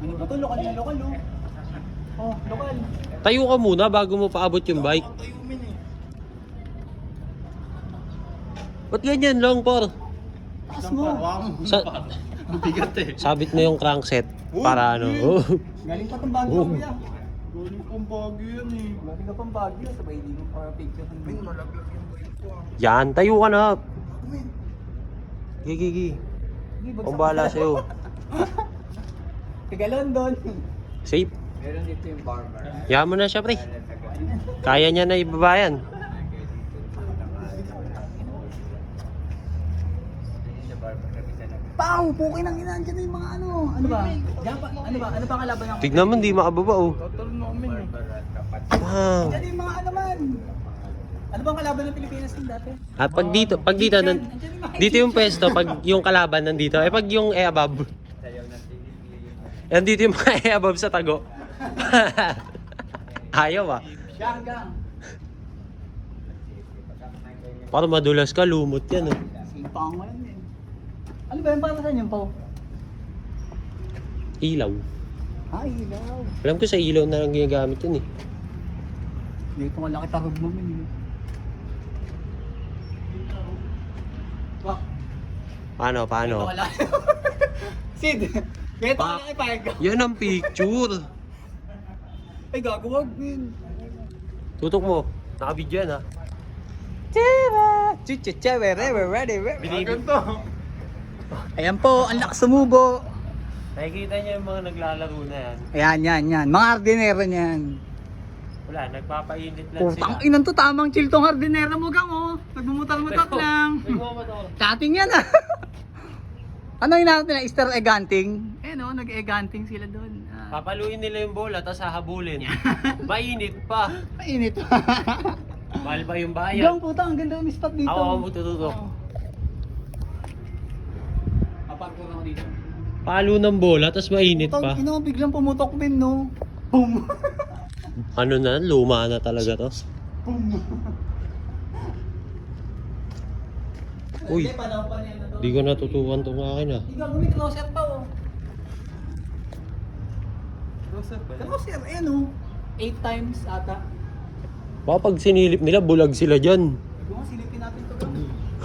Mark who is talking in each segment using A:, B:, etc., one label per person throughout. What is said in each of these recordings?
A: Ano ba to? Lokal na lokal, oh. Oh, lokal.
B: Tayo ka muna bago mo paabot yung bike. Ba't ganyan lang, par?
A: Taas mo.
B: Sa,
C: Bigat eh.
B: sabit mo yung crankset para ano.
A: Galing pa itong Baguio, kuya.
C: Galing pang Baguio yan eh.
A: Galing ka pang Baguio. Sabay hindi mo para picture.
C: Ay, malaglag yung bike ko ah.
B: Yan, tayo ka na. Gigi. Ang bahala sa'yo.
A: Taga London.
B: Safe.
A: Meron dito yung barber.
B: Yaman mo na siya, pre. Kaya niya na ibabayan.
A: Pau! Pukin ang ina. Diyan na yung mga ano. Ano ba? Diyan pa, ano ba? Ano ba kalaban ng...
B: Tignan mo, hindi makababa, oh.
C: Total namin eh.
B: Wow.
A: Diyan yung mga ano man. Ano bang kalaban ng Pilipinas din dati?
B: At pag dito, dito yung pwesto, pag yung kalaban nandito, eh pag yung above. Yan dito yung mga above sa tago. Ayaw ah.
A: Gang.
B: Para madulas ka, lumot yan oh.
A: Simpang mo yan eh. Ano ba yung para saan yung Pau?
B: Ilaw.
A: Ay, ilaw.
B: Alam ko sa ilaw na lang ginagamit yun eh.
A: Dito nga laki tarog mo man. Wah,
B: Paano?
A: wala. Sid, kaya ito ka ipahig ko.
B: Yan ang picture.
A: Ay, gagawag din.
B: Tutok mo. Naka-video yan ah.
C: Ganito.
A: Ayan po, ang lakas sumubo.
B: Nakikita niyo yung mga naglalaro na yan.
A: Yan. Mga hardinero niyan.
B: Wala, nagpapainit lang
A: Putang
B: sila.
A: inan to, tamang chill tong hardinero mo gang oh. Nagmumutal-mutal lang. Cutting yan ah. Ano yung natin na Easter egg hunting? Eh no, nag-egg hunting sila doon.
B: Papaluin nila yung bola, tapos hahabulin. Mainit pa.
A: Mainit.
B: Mahal pa yung bayan.
A: Gang puta, ang ganda yung spot dito.
B: Ako tututok.
A: Aparko na ako dito.
B: Palo ng bola, tapos mainit pa.
A: Putang ina, biglang pumutok din no. Boom.
B: Ano na, luma na talaga to. Uy, di ko natutukan tong akin ah.
A: Ikaw gumit closer pa oh.
C: Closer ba?
A: Closer, ayan oh. 8 times ata.
B: Baka pag sinilip nila, bulag sila dyan.
A: Ikaw nga, silipin natin to gang.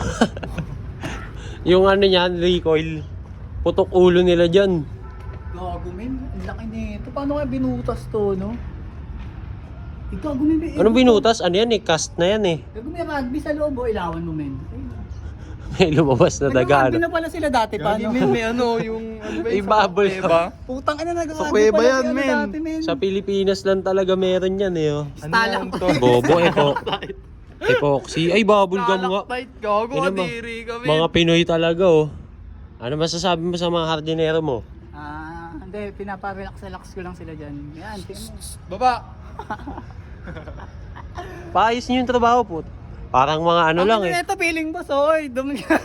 B: Yung ano niyan, recoil. Putok ulo nila dyan.
A: Gago men, ang laki nito. Paano kaya binutas to no? Ikaw gumit.
B: Anong binutas? Ano yan eh, cast na yan eh.
A: Gago may rugby sa loob oh, ilawan mo men.
B: May lumabas na daga.
A: Nag-rugby na pala sila dati pa no?
C: May ano, yung ano ba
B: May
C: yung
B: bubble
C: sa diba?
A: Putang ina nag-rugby
C: Sa kuweba
A: pala
C: yan,
A: si ano
C: men.
A: dati men.
B: Sa Pilipinas lang talaga meron yan eh. Oh.
A: Stalak to.
B: Bobo, epoxy. Ay, bubble gum nga.
C: Stalactite, gago,
B: Yun naman.
C: kadiri kami.
B: Mga Pinoy talaga oh. Ano masasabi mo sa mga hardinero mo?
A: Hindi, pinapa-relax ko lang sila dyan. Yan, tingnan mo.
C: Baba!
B: Paayos niyo yung trabaho po. Parang mga ano lang eh.
A: Ito feeling boss, oy. Dumi ka.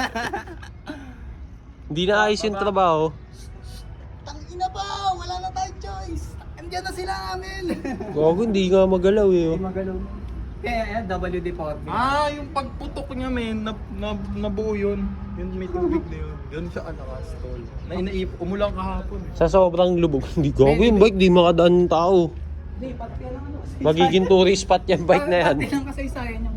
B: Hindi na ayos yung trabaho.
A: Tangina pa, wala na tayong choice. Andiyan na sila amin.
B: Gago, hindi nga magalaw eh. Oh.
A: Magalaw. Kaya WD-40.
C: Yung pagputok niya, men, nabuo yun. Yun, may tubig na yun. Yun siya alakas, tol. Umulang kahapon.
B: Sa sobrang lubog. Hindi gago yung bike, di makadaan ng tao.
A: Hindi, pati lang ano.
B: Magiging tourist spot yung bike na yan.
A: Pati lang kasaysayan yung